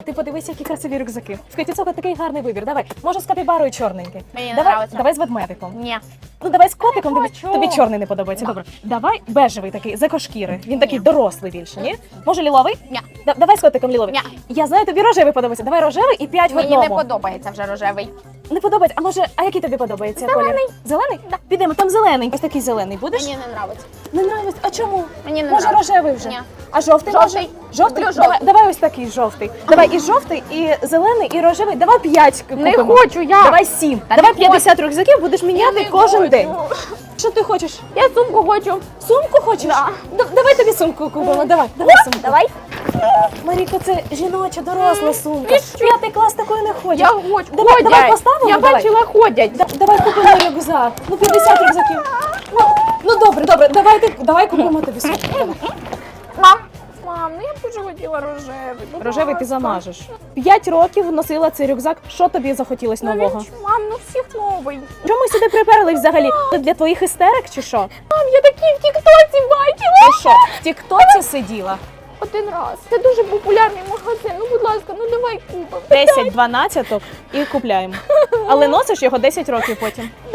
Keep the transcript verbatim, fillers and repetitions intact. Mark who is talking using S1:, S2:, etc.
S1: ти подивися, які красиві рюкзаки. Скажи, це такий гарний вибір. Давай, може з капібарою чорненький.
S2: Мені не
S1: Давай,
S2: нравиться.
S1: давай з ведмедиком.
S2: Ні.
S1: Ну давай з котиком, тобі,
S2: Хочу.
S1: тобі чорний не подобається. Добре. Давай бежевий такий, з екошкіри. Він такий дорослий більше, ні? Може ліловий?
S2: Ні.
S1: Да- давай з котиком ліловий.
S2: Ні.
S1: Я знаю, тобі рожевий подобається. Давай рожевий і п'ять в
S2: Мені
S1: одному.
S2: не подобається вже рожевий.
S1: Не подобається. А може, а який тобі подобається
S2: Зелений.
S1: колір? Зелений? Да. Підемо, там зелений. Ось такий зелений будеш?
S2: Мені не нравиться.
S1: Не нравиться. А чому?
S2: Мені не
S1: може
S2: нравиться.
S1: рожевий вже?
S2: Ні.
S1: А жовтий?
S2: Жовтий.
S1: Може? Жовтий?
S2: Люблю
S1: Давай,
S2: жовтий.
S1: давай ось такий жовтий. Давай і жовтий, і зелений, і рожевий. Давай п'ять
S2: Не
S1: купимо.
S2: хочу я.
S1: Давай сім.
S2: Та
S1: Давай
S2: не
S1: п'ятдесят рюкзаків, будеш міняти
S2: не
S1: кожен
S2: хочу.
S1: день. Що ти хочеш?
S2: Я сумку хочу.
S1: Сумку хочеш?
S2: Да.
S1: Д- давай тобі сумку купимо. Давай, давай сумку.
S2: Давай.
S1: Маріко, це жіноча, доросла сумка.
S2: І що?
S1: П'ятий клас такою не ходять.
S2: Я хочу.
S1: Давай,
S2: ходять.
S1: давай поставимо,
S2: Я
S1: давай.
S2: бачила, ходять.
S1: Да- Давай купимо рюкзак. Ну, п'ятдесят рюкзаків. Ну, ну добре, добре, давай, ти- давай купимо тобі сумку. Давай.
S2: Мам. Мам, ну я б дуже хотіла рожевий. будь
S1: Рожевий ти
S2: ласка.
S1: замажеш. П'ять років носила цей рюкзак. Що тобі захотілось
S2: Ну,
S1: нового?
S2: він ж, мам, ну всіх новий.
S1: Чому ми сюди приперли взагалі? Це для твоїх істерик чи що?
S2: Мам, я такі в тіктоці бачила.
S1: Ти що, в тіктоці сиділа?
S2: Один раз. Це дуже популярний магазин. Ну, будь ласка, ну давай купимо.
S1: десять дванадцяток і купляємо. Але носиш його десять років потім.